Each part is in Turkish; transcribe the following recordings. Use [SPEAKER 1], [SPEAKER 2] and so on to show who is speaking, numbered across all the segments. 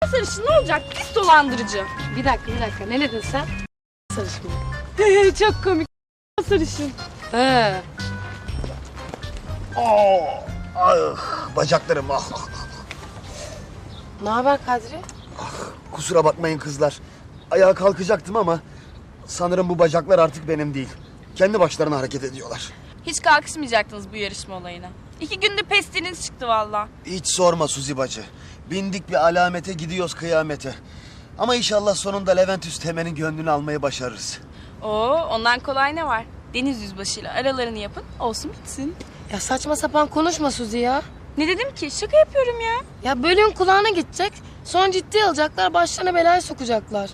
[SPEAKER 1] sarışın ne olacak? Pis dolandırıcı.
[SPEAKER 2] Bir dakika ne dedin sen? Sarışın mı?
[SPEAKER 1] Çok komik. Sarışın.
[SPEAKER 2] He.
[SPEAKER 3] Bacaklarım ah.
[SPEAKER 2] Ne haber Kadri?
[SPEAKER 3] Kusura bakmayın kızlar. Ayağa kalkacaktım ama sanırım bu bacaklar artık benim değil. Kendi başlarına hareket ediyorlar.
[SPEAKER 1] Hiç kalkışmayacaktınız bu yarışma olayına. 2 günde pestiniz çıktı valla.
[SPEAKER 3] Hiç sorma Suzi bacı. Bindik bir alamete gidiyoruz kıyamete. Ama inşallah sonunda Levent Üsteğmen'in gönlünü almayı başarırız.
[SPEAKER 1] Oo, ondan kolay ne var? Deniz yüzbaşıyla aralarını yapın, olsun bitsin.
[SPEAKER 2] Ya saçma sapan konuşma Suzi ya.
[SPEAKER 1] Ne dedim ki? Şaka yapıyorum ya.
[SPEAKER 2] Ya bölüm kulağına gidecek. Sonra ciddiye alacaklar. Başlarına belaya sokacaklar.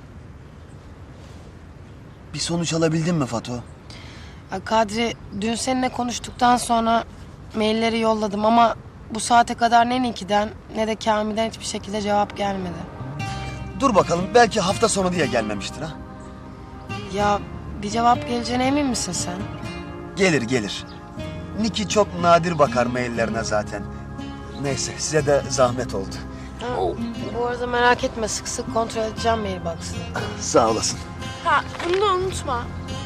[SPEAKER 3] Bir sonuç alabildin mi Fato?
[SPEAKER 2] Ya Kadri dün seninle konuştuktan sonra mailleri yolladım ama bu saate kadar ne Niki'den ne de Kamil'den hiçbir şekilde cevap gelmedi.
[SPEAKER 3] Dur bakalım belki hafta sonu diye gelmemiştir ha.
[SPEAKER 2] Ya bir cevap geleceğine emin misin sen?
[SPEAKER 3] Gelir. Niki çok nadir bakar maillerine zaten. Neyse size de zahmet oldu.
[SPEAKER 2] Bu arada merak etme sık sık kontrol edeceğim mailbox'ını.
[SPEAKER 3] Sağ olasın.
[SPEAKER 1] Ha, bunu da unutma.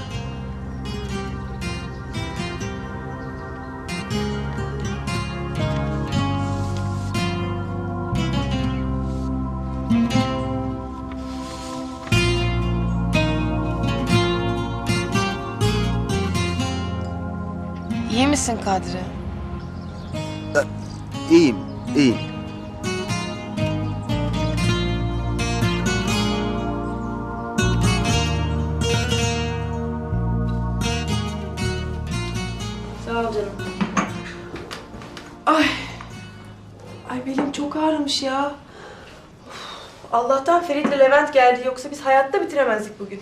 [SPEAKER 2] İyi misin Kadri?
[SPEAKER 3] İyiyim.
[SPEAKER 2] Sağ ol canım.
[SPEAKER 4] Ay belim çok ağrımış ya. Of, Allah'tan Ferit'le Levent geldi yoksa biz hayatta bitiremezdik bugün.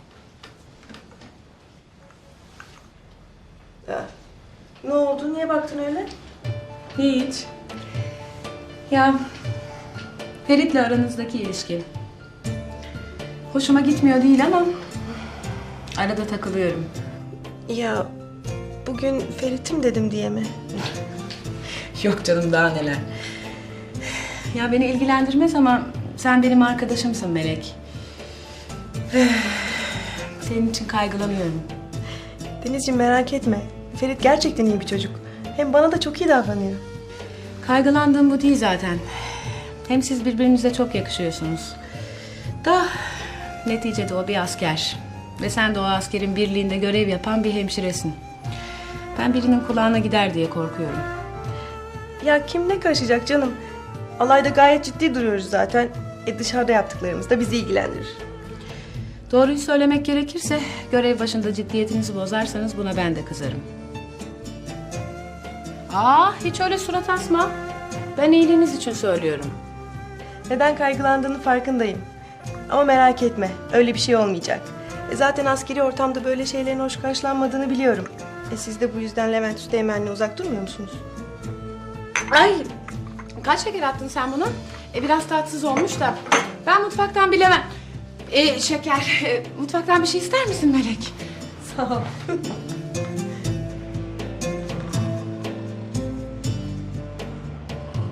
[SPEAKER 4] Ya, ne oldu? Niye baktın öyle?
[SPEAKER 5] Hiç. Ya Ferit'le aranızdaki ilişki hoşuma gitmiyor değil ama arada takılıyorum.
[SPEAKER 4] Ya bugün Ferit'im dedim diye mi?
[SPEAKER 5] Yok canım daha neler. Ya beni ilgilendirmez ama sen benim arkadaşımsın Melek. Senin için kaygılanıyorum.
[SPEAKER 4] Denizciğim merak etme. Ferit gerçekten iyi bir çocuk. Hem bana da çok iyi davranıyor.
[SPEAKER 5] Kaygılandığım bu değil zaten. Hem siz birbirinize çok yakışıyorsunuz. Da neticede o bir asker. Ve sen de o askerin birliğinde görev yapan bir hemşiresin. Ben birinin kulağına gider diye korkuyorum.
[SPEAKER 4] Ya kim ne karışacak canım? Alayda gayet ciddi duruyoruz zaten. Dışarıda yaptıklarımız da bizi ilgilendirir.
[SPEAKER 5] Doğruyu söylemek gerekirse görev başında ciddiyetinizi bozarsanız buna ben de kızarım. Hiç öyle surat asma. Ben iyiliğiniz için söylüyorum.
[SPEAKER 4] Neden kaygılandığını farkındayım. Ama merak etme, öyle bir şey olmayacak. Zaten askeri ortamda böyle şeylerin hoş karşılanmadığını biliyorum. Siz de bu yüzden Levent Üsteğmen'le uzak durmuyor musunuz?
[SPEAKER 2] Ay kaç şeker attın sen buna? Biraz tatsız olmuş da. Ben mutfaktan bilemem. Şeker. Mutfaktan bir şey ister misin Melek?
[SPEAKER 4] Sağ ol.